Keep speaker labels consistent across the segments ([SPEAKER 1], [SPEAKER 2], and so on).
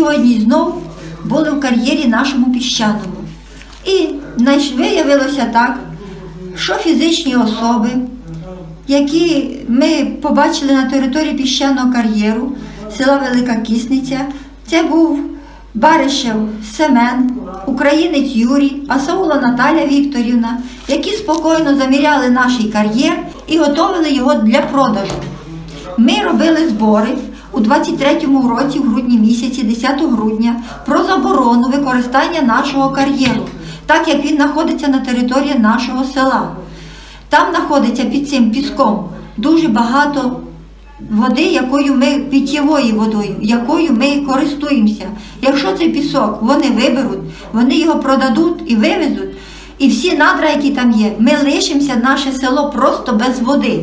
[SPEAKER 1] сьогодні знов були в кар'єрі нашому Піщаному. І виявилося так, що фізичні особи, які ми побачили на території Піщаного кар'єру, села Велика Кісниця, це був Баришев Семен, українець Юрій, Асаула Наталя Вікторівна, які спокійно заміряли наш кар'єр і готували його для продажу. Ми робили збори у 23-му році, в грудні місяці, 10 грудня, про заборону використання нашого кар'єру, так як він знаходиться на території нашого села. Там знаходиться під цим піском дуже багато води, якою ми, питьєвою водою, якою ми користуємося. Якщо цей пісок вони виберуть, вони його продадуть і вивезуть, і всі надра, які там є, ми лишимося, наше село просто без води.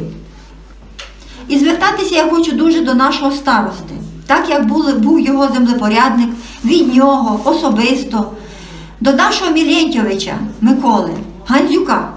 [SPEAKER 1] І звертатися я хочу дуже до нашого старости. Так як був його землепорядник, від нього особисто, до нашого Мілєнтьовича Миколи Гандзюка.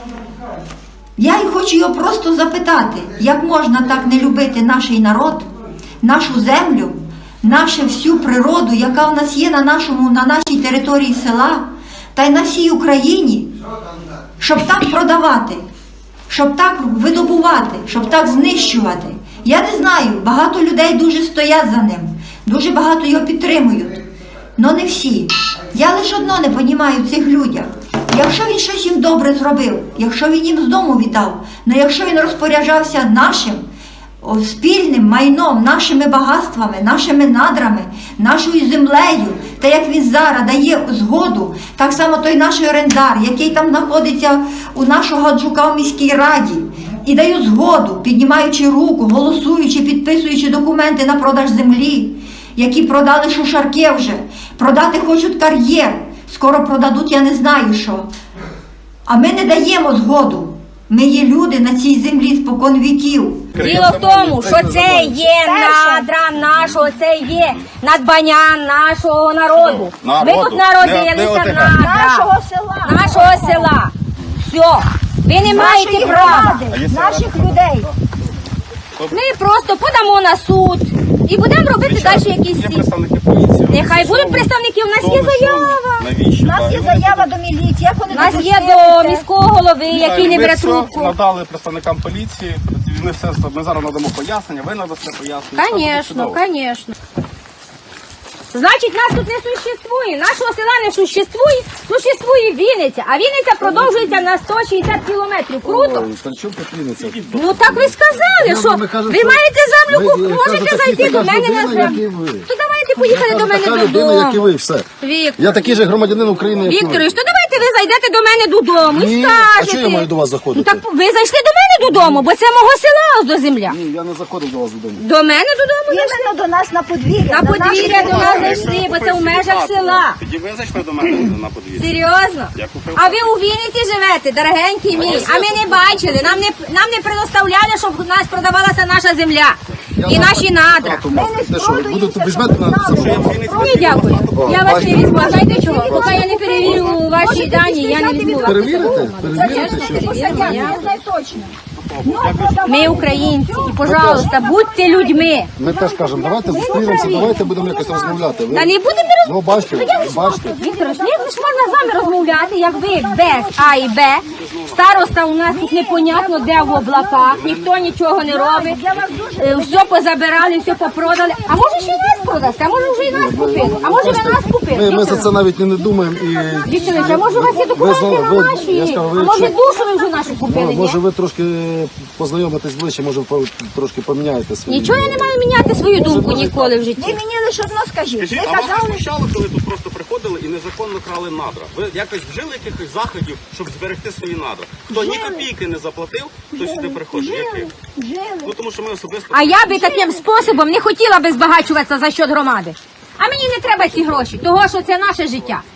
[SPEAKER 1] Я й хочу його просто запитати, як можна так не любити наш народ, нашу землю, нашу всю природу, яка в нас є на нашій території села, та й на всій Україні, щоб так продавати, щоб так видобувати, щоб так знищувати. Я не знаю, багато людей дуже стоять за ним, дуже багато його підтримують, але не всі. Я лише одно не розумію в цих людях. Якщо він щось їм добре зробив, якщо він їм з дому віддав, але якщо він розпоряджався нашим спільним майном, нашими багатствами, нашими надрами, нашою землею, та як він зараз дає згоду, так само той наш орендар, який там знаходиться у нашого Гаджука в міській раді, і дає згоду, піднімаючи руку, голосуючи, підписуючи документи на продаж землі, які продали шушарки вже, продати хочуть кар'єр, скоро продадуть, я не знаю що. А ми не даємо згоду. Ми є люди на цій землі спокон віків.
[SPEAKER 2] Діло в тому, що це є надра нашого, це є надбання нашого народу. Ми тут народилися надра нашого села. Все. Ви не маєте права.
[SPEAKER 1] Наших людей.
[SPEAKER 2] Ми просто подамо на суд і будемо робити далі якісь ці. Нехай будуть представники, у нас є заява.
[SPEAKER 1] У нас є заява до міліції.
[SPEAKER 2] У нас є до міського голови, який не бере трубку.
[SPEAKER 3] Ми надали представникам поліції, ми зараз надамо пояснення, ви надасте пояснення.
[SPEAKER 2] Звісно, звісно. Значить, нас тут не существує, нашого села не существує, существує Вінниця, а Вінниця продовжується на 160 кілометрів. Круто? Ну так ви сказали, що ви маєте землю, можете зайти до мене на землю. То давайте поїхали до мене додому.
[SPEAKER 4] як і ви, все. Я такий же громадянин України, як і ви.
[SPEAKER 2] Вікторович, то давайте ви зайдете до мене додому і
[SPEAKER 4] Ні,
[SPEAKER 2] скажете.
[SPEAKER 4] а чого я маю до вас заходити?
[SPEAKER 2] Ну так ви зайшли до мене додому, бо це мого села ось до земля.
[SPEAKER 4] Ні, я не заходив до вас додому.
[SPEAKER 2] До мене додому зайшли.
[SPEAKER 1] Іменно до нас на подвір'я.
[SPEAKER 2] На подвір'я до нас зайшли, бо це в межах села.
[SPEAKER 3] Тоді ви зайшли до мене на подвір'я.
[SPEAKER 2] Серйозно? А ви у Вінниці живете, дорогенький мій, а ми не бачили, нам не предоставляли, щоб у нас продавалася наша земля і наші надра.
[SPEAKER 4] Те що, ви будете візьмете на це?
[SPEAKER 2] Ні, дякую. Я вас не візьму, а знаєте чого? Поки я не перевірю ваші дані, я не візьму вас.
[SPEAKER 4] Перевірите? Перевірите, що?
[SPEAKER 1] Я знаю точно.
[SPEAKER 2] Ми українці, і, пожалуйста, будьте людьми.
[SPEAKER 4] Ми теж кажемо, давайте зустрінемося, давайте будемо якось розмовляти.
[SPEAKER 2] Та не будемо
[SPEAKER 4] Ну, бачите, бачите.
[SPEAKER 2] Вікторович, як ж можна з вами розмовляти, як ви без А і Б? Староста у нас тут непонятно, де в облаках, ніхто нічого не робить, все позабирали, все попродали. А може ще й нас продасте, а може вже і нас купили, а може ви нас купили?
[SPEAKER 4] Ми за це навіть і не думаємо. І
[SPEAKER 2] Вікторович, а може у вас є документи на наші?
[SPEAKER 4] я скажу, ви
[SPEAKER 2] А може
[SPEAKER 4] якщо-
[SPEAKER 2] душу ви вже нашу купили, ні?
[SPEAKER 4] може ви трошки познайомитесь ближче, може трошки поміняєте свої.
[SPEAKER 2] Нічого я не маю міняти свою думку ніколи в житті.
[SPEAKER 1] Ви мені лише одно скажіть.
[SPEAKER 3] Скажіть,
[SPEAKER 1] Ви
[SPEAKER 3] а вас не
[SPEAKER 1] казали,
[SPEAKER 3] смущало, коли тут просто приходили і незаконно крали надра? Ви якось вжили якихось заходів, щоб зберегти свої надра? Хто ні копійки не заплатив, хто сюди приходить? Який? Ну тому що ми особисто...
[SPEAKER 2] А я би таким способом не хотіла би збагачуватися за счет громади. А мені не треба ці гроші, того що це наше життя.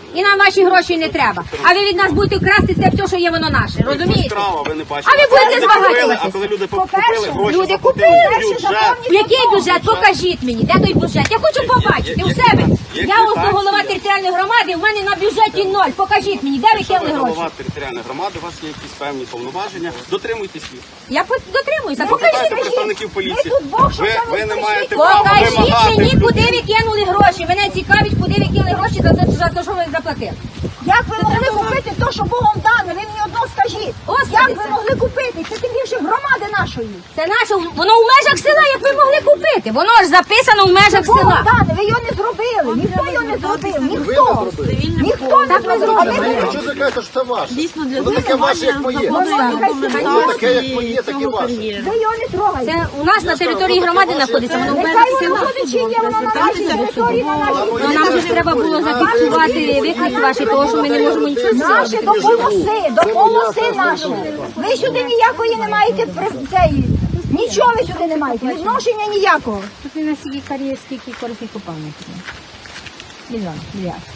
[SPEAKER 2] І нам ваші гроші не треба. А ви від нас будете красти це все, що є воно наше. Розумієте?
[SPEAKER 3] Справа, ви не бачите.
[SPEAKER 2] А ви будете
[SPEAKER 3] Люди купили,
[SPEAKER 2] збагачуватися.
[SPEAKER 3] А коли люди
[SPEAKER 1] По-перше,
[SPEAKER 3] купили, гроші
[SPEAKER 2] люди
[SPEAKER 3] заплатили
[SPEAKER 2] купили,
[SPEAKER 3] в бюджет.
[SPEAKER 2] Який бюджет? Покажіть мені, де той бюджет? Я хочу побачити у себе. Я ось голова територіальної громади, в мене на бюджеті 0. Покажіть мені, де ви
[SPEAKER 3] Якщо ви
[SPEAKER 2] кинули гроші?
[SPEAKER 3] голова територіальної громади, у вас є якісь певні повноваження, дотримуйтесь їх.
[SPEAKER 2] Я дотримуюся.
[SPEAKER 3] Запитайте
[SPEAKER 2] Покажіть.
[SPEAKER 3] представників поліції.
[SPEAKER 1] тут Бог, що там
[SPEAKER 3] Ви не
[SPEAKER 1] прийшли.
[SPEAKER 3] маєте права
[SPEAKER 2] Покажіть
[SPEAKER 3] вимагати.
[SPEAKER 2] мені,
[SPEAKER 3] в
[SPEAKER 2] куди
[SPEAKER 3] людей.
[SPEAKER 2] ви кинули гроші. Мене цікавить, куди ви кинули гроші за те, що ви заплатили.
[SPEAKER 1] Як ви могли купити те, що Богом дане? Ви мені одно скажіть.
[SPEAKER 2] Господи,
[SPEAKER 1] Як ви
[SPEAKER 2] це-
[SPEAKER 1] могли купити? Це тим більше громади нашої.
[SPEAKER 2] Це наше, воно в межах села, як ви могли купити. Воно ж записано в межах
[SPEAKER 1] Богом
[SPEAKER 2] села.
[SPEAKER 1] дане, ви його не зробили. Ніхто його не зробив. Ніхто. Ніхто не зробив. А ви
[SPEAKER 4] Що ви кажете, що це ваше?
[SPEAKER 5] Дійсно, для
[SPEAKER 4] Воно таке ваше, як моє. Воно таке, як моє, таке ваше.
[SPEAKER 1] Ви його не трогаєте.
[SPEAKER 2] Це у нас на території громади знаходиться, воно в межах
[SPEAKER 1] Нехай воно
[SPEAKER 2] села.
[SPEAKER 1] буде чи є, воно на нашій території, на нашій
[SPEAKER 2] Ну, нам же ж треба було зафіксувати виклик ваші, тому що ми не можемо нічого
[SPEAKER 1] Наші
[SPEAKER 2] зробити.
[SPEAKER 1] допомоси наші. Ви сюди ніякої не маєте нічого ви сюди не маєте, відношення ніякого.
[SPEAKER 2] Тут не на скільки кар'єр, скільки корисних копалень. Мільярд.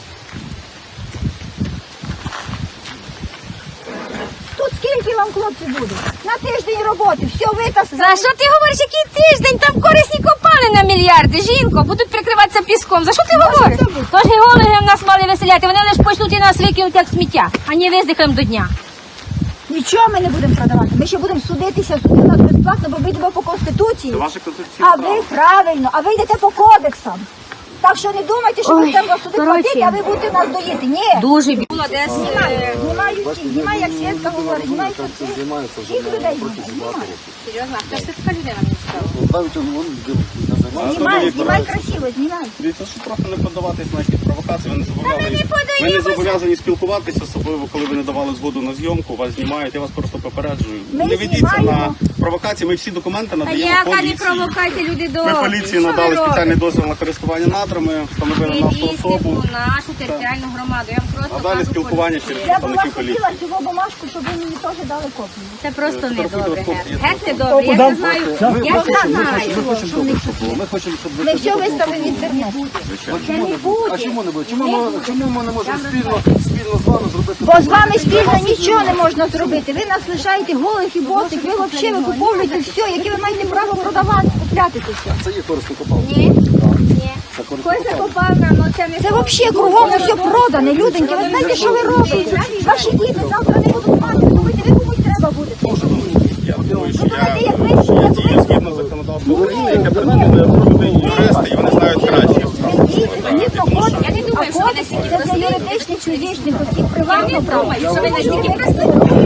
[SPEAKER 1] Тут скільки вам, хлопці, буде? На тиждень роботи, все витаскали.
[SPEAKER 2] За що ти говориш, який тиждень? Там корисні копалини на мільярди, жінко, будуть прикриватися піском. За що ти говориш? Тож геологи в нас мали веселяти, вони лише почнуть і нас викинуть як сміття, а не виздихаємо до дня.
[SPEAKER 1] Нічого ми не будемо продавати. Ми ще будемо судитися, суди нас безплатно, бо ми йдемо по Конституції.
[SPEAKER 3] Це ваше конституційне
[SPEAKER 1] А
[SPEAKER 3] право.
[SPEAKER 1] ви правильно, а ви йдете по кодексам. Так що не думайте, що ви треба суди
[SPEAKER 2] коротше.
[SPEAKER 1] платити, а ви будете нас доїти. Ні.
[SPEAKER 2] Дуже було десь.
[SPEAKER 1] Знімаю всіх, знімаю, як Свєтка говорить, знімаю всіх. Всіх людей знімаю.
[SPEAKER 2] Серйозно, хто ж це така людина мені цікаво?
[SPEAKER 4] Навіть він
[SPEAKER 1] Знімай, знімай красиво, знімай.
[SPEAKER 3] Дивіться, що просто не подаватись на якісь провокації, ви не зобов'язані спілкуватися, особливо коли ви не давали згоду на зйомку, вас знімають, я вас просто попереджую.
[SPEAKER 1] Ми
[SPEAKER 3] Не ведіться на
[SPEAKER 1] знімаємо.
[SPEAKER 3] провокації, ми всі документи
[SPEAKER 2] Та
[SPEAKER 3] надаємо
[SPEAKER 2] яка не
[SPEAKER 3] поліції.
[SPEAKER 2] провокація, люди
[SPEAKER 3] Ми
[SPEAKER 2] добрі.
[SPEAKER 3] поліції
[SPEAKER 2] Що
[SPEAKER 3] надали
[SPEAKER 2] ви
[SPEAKER 3] спеціальний
[SPEAKER 2] робите?
[SPEAKER 3] дозвіл на користування надрами, встановили нашу
[SPEAKER 2] Привізьте
[SPEAKER 3] особу,
[SPEAKER 2] у нашу територіальну громаду. Я вам просто
[SPEAKER 3] а далі
[SPEAKER 2] кажу,
[SPEAKER 3] спілкування через
[SPEAKER 1] Я б вас
[SPEAKER 3] представників поліції.
[SPEAKER 1] хотіла цього бумажку, щоб ви мені теж дали копію.
[SPEAKER 2] це просто не добре.
[SPEAKER 3] Фотографуйте,
[SPEAKER 2] Геть не добре. Я не знаю. Я не знаю.
[SPEAKER 4] Ми хочемо, щоб ви
[SPEAKER 1] Ми все виставимо в інтернет. Це не буде.
[SPEAKER 4] А чому не буде? Чому ми не можемо спільно з вами зробити?
[SPEAKER 1] Бо з вами спільно нічого не можна зробити. Ви нас лишаєте голих і босих, ви взагалі викуповуєте все, яке ви маєте право продавати, купляти це все.
[SPEAKER 4] Це є корисний копал.
[SPEAKER 2] Ні. Ні. Кось закопавна, ну це не
[SPEAKER 1] Це взагалі кругом все продане, люденьки. Ви знаєте, що ви робите? Ваші діти завтра не будуть мати, думаєте, ви комусь треба буде.
[SPEAKER 3] Я думаю, що
[SPEAKER 1] Давайте, як ви
[SPEAKER 3] я дію згідно законодавства України, яке передбачає юристи, і вони знають краще.
[SPEAKER 2] Я не думаю, що ви настільки
[SPEAKER 1] Це для
[SPEAKER 2] прості.
[SPEAKER 1] юридичних, фізичних осіб,
[SPEAKER 2] Я
[SPEAKER 1] приватного
[SPEAKER 2] не
[SPEAKER 1] права.
[SPEAKER 2] думаю, що ви настільки прості.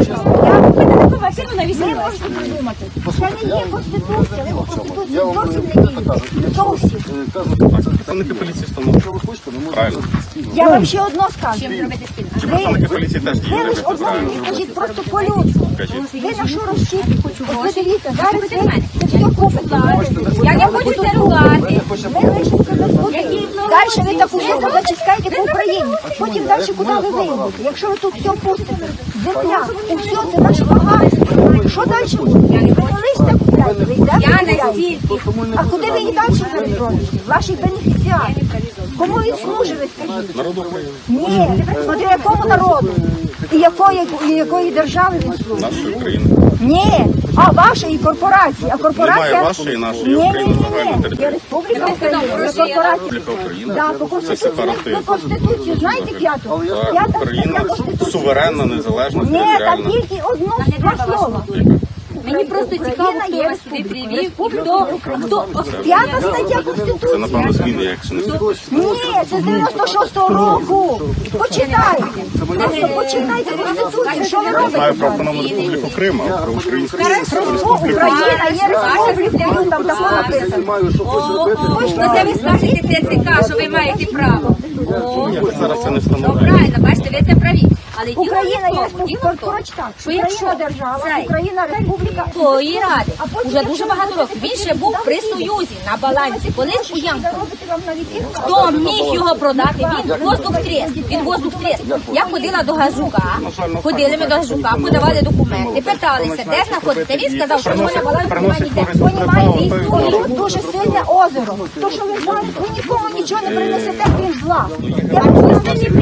[SPEAKER 1] Ви можете придумати. Це не є Конституція, ви по Конституції
[SPEAKER 4] Я вам
[SPEAKER 1] зовсім не дієте. Зовсім.
[SPEAKER 3] Представники поліції встановлюють.
[SPEAKER 4] Якщо ви хочете, ми можемо
[SPEAKER 3] Правильно.
[SPEAKER 4] спільно.
[SPEAKER 1] Я вам ще одно скажу.
[SPEAKER 2] Чим зробити спільно?
[SPEAKER 3] Чи представники поліції теж
[SPEAKER 1] Ви
[SPEAKER 3] діють?
[SPEAKER 1] лише одно мені скажіть просто по-людськи. Ви на що розчіпите? От ви дивіться, зараз ви це все купите.
[SPEAKER 2] Я не хочу це ругати.
[SPEAKER 1] Ми лише себе будемо. Далі ви таку суму зачискаєте по Україні. Потім далі куди ви вийдете? Якщо ви тут все пустите, земля, все, це наше багатство. Що далі буде? Ви не лише купляєте, ви йдете
[SPEAKER 2] Я
[SPEAKER 1] купляєте.
[SPEAKER 2] настільки.
[SPEAKER 1] А куди ви і далі переробите? Ваші бенефіціари. Кому він служить, ви скажіть?
[SPEAKER 3] Народу України.
[SPEAKER 1] Ні, смотри, якому народу? І якої держави він служить?
[SPEAKER 3] Нашої України.
[SPEAKER 1] Ні, а вашої корпорації. А корпорація...
[SPEAKER 3] Немає вашої, нашої,
[SPEAKER 1] Ні,
[SPEAKER 3] України,
[SPEAKER 1] ні, ні,
[SPEAKER 3] загальна
[SPEAKER 1] ні.
[SPEAKER 3] територія.
[SPEAKER 1] Є Республіка Україна, є корпорація.
[SPEAKER 3] Республіка Україна.
[SPEAKER 1] Да, по
[SPEAKER 3] Це
[SPEAKER 1] Конституції.
[SPEAKER 3] сепаратизм.
[SPEAKER 1] Ви Конституцію знаєте п'яту?
[SPEAKER 3] Так,
[SPEAKER 1] П'ята
[SPEAKER 3] Україна
[SPEAKER 1] стаття Конституції.
[SPEAKER 3] суверенна, незалежна,
[SPEAKER 1] Ні, там
[SPEAKER 3] територіальна.
[SPEAKER 1] тільки два слова.
[SPEAKER 2] Мені просто цікаво, хто вас сюди привів, хто
[SPEAKER 1] П'ята стаття
[SPEAKER 3] Це,
[SPEAKER 1] Конституції.
[SPEAKER 3] напевно, зміни, якщо не
[SPEAKER 1] Ні, це з 96-го року. Почитайте. Просто почитайте Конституцію, що ви
[SPEAKER 3] знаю
[SPEAKER 1] робите.
[SPEAKER 3] про Автономну Республіку Крим, а про Українську Республіку.
[SPEAKER 1] Україна є республікою, там такого написано.
[SPEAKER 4] Маю, що хочу робити.
[SPEAKER 2] Ну це ви скажете ТЦК, що ви маєте право.
[SPEAKER 3] Я зараз це не
[SPEAKER 2] Ну
[SPEAKER 3] встановлюю.
[SPEAKER 2] правильно, бачите, ви це праві. Але діло
[SPEAKER 1] Україна
[SPEAKER 2] не
[SPEAKER 1] є
[SPEAKER 2] в тому, діло в тому,
[SPEAKER 1] республіка,
[SPEAKER 2] що якщо
[SPEAKER 1] Україна держава,
[SPEAKER 2] цей
[SPEAKER 1] Україна республіка.
[SPEAKER 2] Тої ради
[SPEAKER 1] А потім,
[SPEAKER 2] уже
[SPEAKER 1] якщо
[SPEAKER 2] дуже
[SPEAKER 1] ви
[SPEAKER 2] багато
[SPEAKER 1] робите
[SPEAKER 2] років. Він ще був при Союзі на балансі. Колись у Ямку.
[SPEAKER 1] Робите вам навіть їх.
[SPEAKER 2] Хто міг його продати? Він воздух трес. Він воздух трес. Я ходила до Газука, ходили ми до Газука, подавали документи, питалися, де знаходиться. Він сказав, що його на балансі немає ніде.
[SPEAKER 1] Понімаєте, тут дуже сильне озеро. То, що ви знаєте, ви нікому нічого не принесете, крім зла. села. Я вам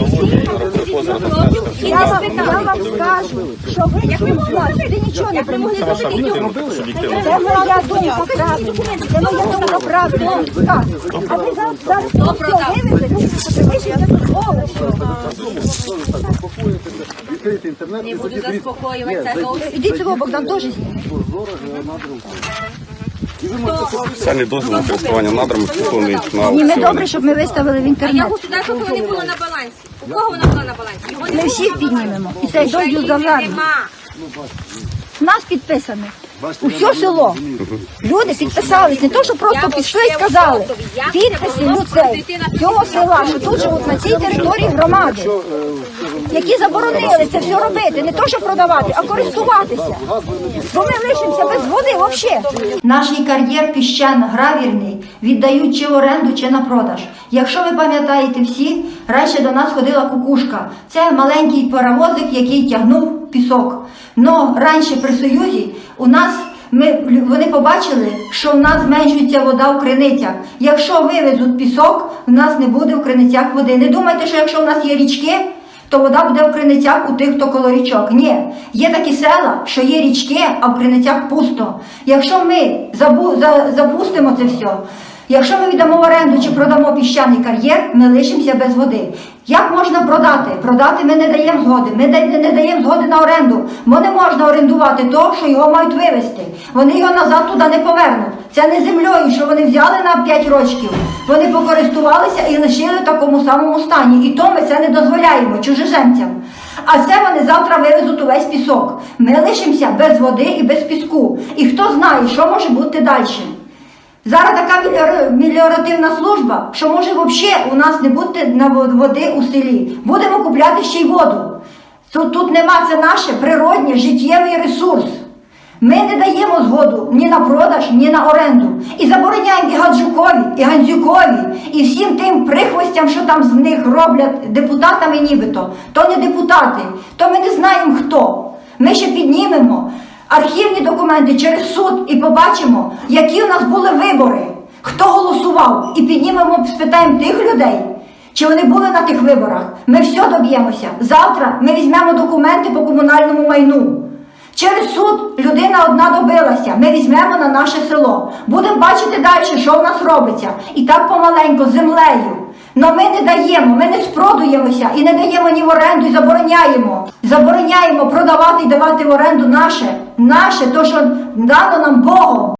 [SPEAKER 1] скажу, що ви нічого не примусили. Це моя думка правильна. Це моя думка правильна. А ви зараз все вивезете, вишите тут овочі.
[SPEAKER 4] Відкрити інтернет і
[SPEAKER 2] Буду заспокоюватися.
[SPEAKER 1] Ідіть цього, Богдан, теж зніме.
[SPEAKER 3] Спеціальний дозвіл на користування надрами підготовлений на
[SPEAKER 1] Ні, ми
[SPEAKER 3] аукціоні.
[SPEAKER 1] добре, щоб ми виставили в
[SPEAKER 2] А я
[SPEAKER 1] інтернет.
[SPEAKER 2] государство того не було на балансі. У кого вона була на балансі? Його не
[SPEAKER 1] Ми
[SPEAKER 2] було
[SPEAKER 1] всіх
[SPEAKER 2] на балансі.
[SPEAKER 1] піднімемо. І цей дозвіл
[SPEAKER 2] України
[SPEAKER 1] завжди.
[SPEAKER 2] нема.
[SPEAKER 1] Нас підписано. Усе село. Люди підписались, не то, що просто пішли і сказали. Підписи людей цього села, що тут живуть на цій території громади, які заборонили це все робити, не то, що продавати, а користуватися. Бо ми лишимося без води взагалі. Наш кар'єр піщано-гравірний віддають чи в оренду, чи на продаж. Якщо ви пам'ятаєте всі, раніше до нас ходила кукушка. Це маленький паровозик, який тягнув пісок. Но раніше при Союзі у нас вони побачили, що в нас зменшується вода в криницях. Якщо вивезуть пісок, в нас не буде в криницях води. Не думайте, що якщо в нас є річки, то вода буде в криницях у тих, хто коло річок. Ні, є такі села, що є річки, а в криницях пусто. Якщо ми запустимо це все, якщо ми віддамо в оренду чи продамо піщаний кар'єр, ми лишимося без води. Як можна продати? Продати ми не даємо згоди. Ми не даємо згоди на оренду, бо не можна орендувати то, що його мають вивезти. Вони його назад туди не повернуть. Це не землею, що вони взяли на 5 років. Вони покористувалися і лишили в такому самому стані. І то ми це не дозволяємо чужеземцям. А це вони завтра вивезуть увесь пісок. Ми лишимося без води і без піску. І хто знає, що може бути далі. Зараз така меліоративна служба, що може взагалі у нас не бути води у селі. Будемо купляти ще й воду. Тут нема, це наше природнє, життєвий ресурс. Ми не даємо згоду ні на продаж, ні на оренду. І забороняємо і Гаджукові, і Гандзюкові, і всім тим прихвостям, що там з них роблять депутатами нібито. То не депутати, то ми не знаємо хто. Ми ще піднімемо архівні документи через суд і побачимо, які у нас були вибори, хто голосував. І піднімемо, спитаємо тих людей, чи вони були на тих виборах. Ми все доб'ємося. Завтра ми візьмемо документи по комунальному майну. Через суд людина одна добилася. Ми візьмемо на наше село. Будемо бачити далі, що в нас робиться. І так помаленько, з землею. Но ми не даємо, ми не спродуємося і не даємо ні в оренду, і забороняємо. Забороняємо продавати і давати в оренду наше, то, що дано нам Богом.